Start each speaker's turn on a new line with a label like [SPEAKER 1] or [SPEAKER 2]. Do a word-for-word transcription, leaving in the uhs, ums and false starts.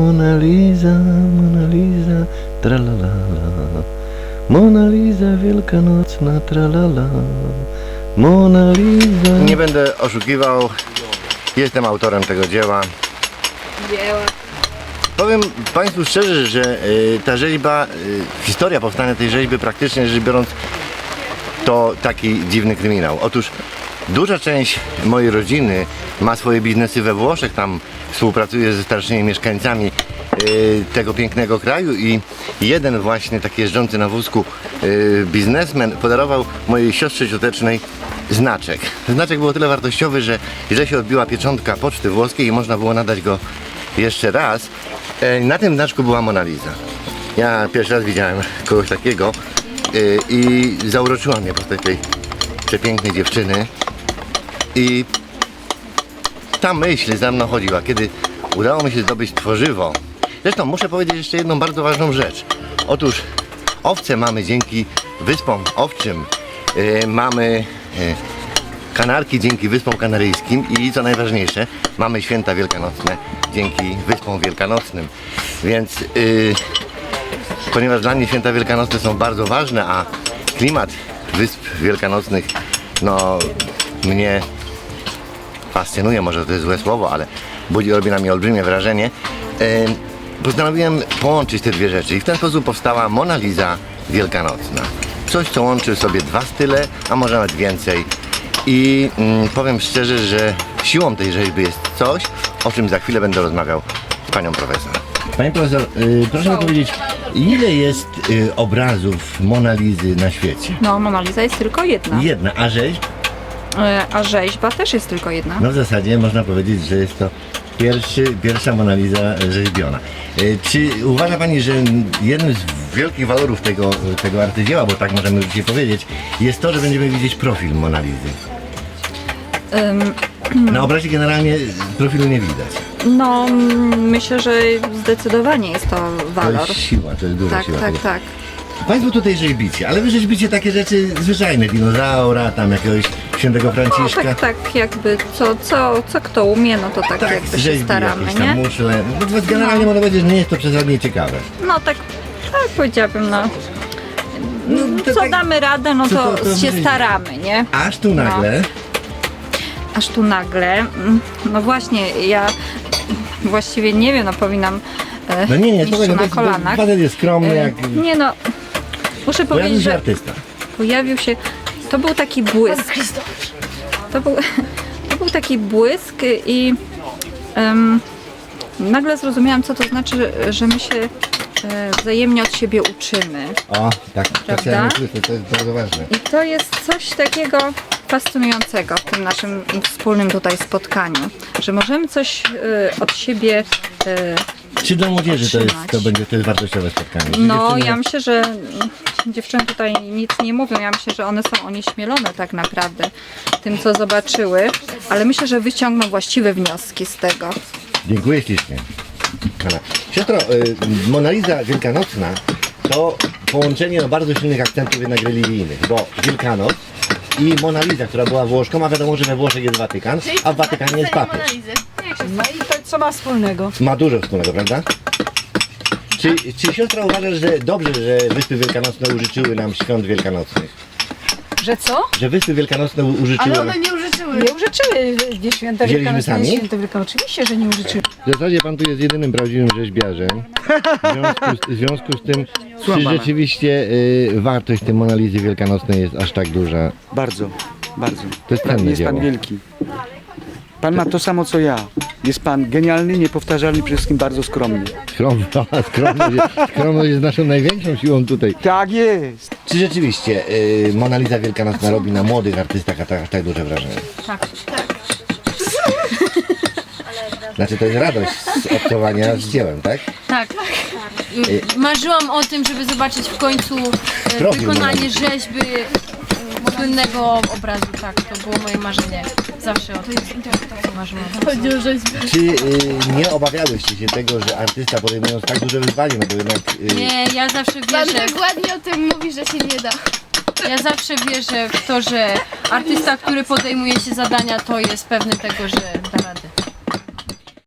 [SPEAKER 1] Mona Lisa, Mona Lisa, tralalala. Mona Lisa wielkanocna, tralala. Mona Lisa. Nie będę oszukiwał, jestem autorem tego dzieła.
[SPEAKER 2] Dzieła.
[SPEAKER 1] Powiem Państwu szczerze, że y, ta rzeźba, y, historia powstania tej rzeźby praktycznie rzecz biorąc to taki dziwny kryminał. Otóż duża część mojej rodziny ma swoje biznesy we Włoszech, tam współpracuje ze starszymi mieszkańcami y, tego pięknego kraju i jeden właśnie taki jeżdżący na wózku y, biznesmen podarował mojej siostrze ciotecznej znaczek. Znaczek był o tyle wartościowy, że źle się odbiła pieczątka poczty włoskiej i można było nadać go jeszcze raz. Y, na tym znaczku była Mona Lisa. Ja pierwszy raz widziałem kogoś takiego y, i zauroczyła mnie postać tej przepięknej dziewczyny. I ta myśl za mną chodziła, kiedy udało mi się zdobyć tworzywo. Zresztą muszę powiedzieć jeszcze jedną bardzo ważną rzecz. Otóż owce mamy dzięki wyspom owczym, yy, mamy yy, kanarki dzięki wyspom kanaryjskim i co najważniejsze, mamy święta wielkanocne dzięki wyspom wielkanocnym. Więc yy, ponieważ dla mnie święta wielkanocne są bardzo ważne, a klimat wysp wielkanocnych no mnie fascynuje, może to jest złe słowo, ale budzi, robi na mnie olbrzymie wrażenie. E, postanowiłem połączyć te dwie rzeczy i w ten sposób powstała Mona Lisa wielkanocna. Coś, co łączy sobie dwa style, a może nawet więcej. I mm, powiem szczerze, że siłą tej rzeźby jest coś, o czym za chwilę będę rozmawiał z panią profesor. Pani profesor, y, proszę mi powiedzieć, ile jest y, obrazów Mona Lisy na świecie?
[SPEAKER 2] No, Mona Lisa jest tylko jedna.
[SPEAKER 1] Jedna, a rzeźb?
[SPEAKER 2] E, A rzeźba też jest tylko jedna.
[SPEAKER 1] No w zasadzie można powiedzieć, że jest to pierwszy, pierwsza Mona Lisa rzeźbiona. E, Czy uważa Pani, że jednym z wielkich walorów tego, tego arcydzieła, bo tak możemy już dzisiaj powiedzieć, jest to, że będziemy widzieć profil Mona Lisy?
[SPEAKER 2] Ym,
[SPEAKER 1] Na obrazie generalnie profilu nie widać.
[SPEAKER 2] no, mm, myślę, że zdecydowanie jest to
[SPEAKER 1] To
[SPEAKER 2] walor.
[SPEAKER 1] jest siła, to jest duża
[SPEAKER 2] Tak,
[SPEAKER 1] siła.
[SPEAKER 2] tak,
[SPEAKER 1] tego.
[SPEAKER 2] tak.
[SPEAKER 1] Państwo tutaj rzeźbicie, ale wy rzeźbicie takie rzeczy zwyczajne, dinozaura, tam jakiegoś świętego
[SPEAKER 2] No,
[SPEAKER 1] Franciszka.
[SPEAKER 2] tak, tak, jakby co, co, co kto umie, no to tak, jakby się
[SPEAKER 1] rzeźbi
[SPEAKER 2] staramy,
[SPEAKER 1] jakieś tam
[SPEAKER 2] nie?
[SPEAKER 1] muszle. No, to generalnie można powiedzieć, że nie jest to przesadnie ciekawe.
[SPEAKER 2] No tak, tak powiedziałabym, no.
[SPEAKER 1] No, to
[SPEAKER 2] Co
[SPEAKER 1] tak-
[SPEAKER 2] damy radę, no
[SPEAKER 1] co
[SPEAKER 2] to,
[SPEAKER 1] to- to
[SPEAKER 2] się
[SPEAKER 1] wyjdzie?
[SPEAKER 2] staramy, nie?
[SPEAKER 1] Aż tu nagle...
[SPEAKER 2] Aż tu nagle, mm, no właśnie, ja właściwie nie wiem, no powinnam e,
[SPEAKER 1] No nie, nie,
[SPEAKER 2] iść
[SPEAKER 1] spokojnie,
[SPEAKER 2] na
[SPEAKER 1] to jest-
[SPEAKER 2] kolanach.
[SPEAKER 1] facet jest skromny,
[SPEAKER 2] E,
[SPEAKER 1] jak...
[SPEAKER 2] Nie no, muszę
[SPEAKER 1] Pojawił
[SPEAKER 2] powiedzieć,
[SPEAKER 1] się
[SPEAKER 2] że
[SPEAKER 1] artysta.
[SPEAKER 2] pojawił się, to był taki błysk. To był, to był taki błysk i em, nagle zrozumiałam, co to znaczy, że my się e, wzajemnie od siebie uczymy.
[SPEAKER 1] O, tak, to
[SPEAKER 2] Prawda?
[SPEAKER 1] chciałem usłyszeć, to jest bardzo ważne.
[SPEAKER 2] I to jest coś takiego fascynującego w tym naszym wspólnym tutaj spotkaniu, że możemy coś e, od siebie e,
[SPEAKER 1] Czy dla młodzieży to, jest,
[SPEAKER 2] Otrzymać.
[SPEAKER 1] to będzie to jest wartościowe spotkanie? Czy
[SPEAKER 2] no
[SPEAKER 1] dziewczyny-
[SPEAKER 2] ja myślę, że dziewczyny tutaj nic nie mówią, ja myślę, że one są onieśmielone tak naprawdę tym, co zobaczyły, ale myślę, że wyciągną właściwe wnioski z tego.
[SPEAKER 1] Dziękuję ślicznie. Pana. Siostro, y, Mona Lisa wielkanocna to połączenie no, bardzo silnych akcentów jednak religijnych, bo Wielkanoc i Mona Lisa, która była Włoszką, a wiadomo, że we Włoszech jest Watykan, a w Watykanie jest papież.
[SPEAKER 3] No i to co ma wspólnego?
[SPEAKER 1] Ma dużo wspólnego, prawda? Czy, czy siostra uważa, że dobrze, że Wyspy Wielkanocne użyczyły nam świąt wielkanocnych?
[SPEAKER 3] Że co?
[SPEAKER 1] Że Wyspy Wielkanocne u- użyczyły
[SPEAKER 4] Ale
[SPEAKER 1] nam...
[SPEAKER 4] one nie użyczyły.
[SPEAKER 3] Nie użyczyły nie święta
[SPEAKER 1] Wzięliśmy
[SPEAKER 3] wielkanocne,
[SPEAKER 1] sami?
[SPEAKER 3] nie święta wielkanocne. Oczywiście, że nie użyczyły.
[SPEAKER 1] W zasadzie pan tu jest jedynym prawdziwym rzeźbiarzem. W związku z, w związku z tym, czy rzeczywiście y, wartość tej Mona Lisy wielkanocnej jest aż tak duża?
[SPEAKER 5] Bardzo, bardzo.
[SPEAKER 1] To jest cenne
[SPEAKER 5] Jest pan
[SPEAKER 1] dzieło.
[SPEAKER 5] wielki. Pan ma to samo co ja. Jest pan genialny, niepowtarzalny, przede wszystkim bardzo skromny.
[SPEAKER 1] Skromność, skromność, jest- skromność jest naszą największą siłą tutaj.
[SPEAKER 5] Tak jest.
[SPEAKER 1] Czy rzeczywiście y, Mona Lisa wielkanocna robi na młodych artystach tak, aż tak duże wrażenie?
[SPEAKER 2] Tak.
[SPEAKER 1] Znaczy to jest radość z obcowania z dziełem, tak?
[SPEAKER 4] Tak. Marzyłam o tym, żeby zobaczyć w końcu e,
[SPEAKER 1] Profil
[SPEAKER 4] wykonanie
[SPEAKER 1] Mona
[SPEAKER 4] rzeźby e, słynnego obrazu. Tak, to było moje marzenie. Zawsze o tym marzyłam. Chodzi o rzeźbę.
[SPEAKER 1] Czy y, nie obawiałyście się tego, że artysta podejmując tak duże wyzwanie, no bo jednak... Y,
[SPEAKER 4] Nie, ja zawsze
[SPEAKER 6] Pan
[SPEAKER 4] wierzę.
[SPEAKER 6] tak ładnie o tym mówi, że się nie da.
[SPEAKER 4] Ja zawsze wierzę w to, że artysta, który podejmuje się zadania, to jest pewny tego, że da radę.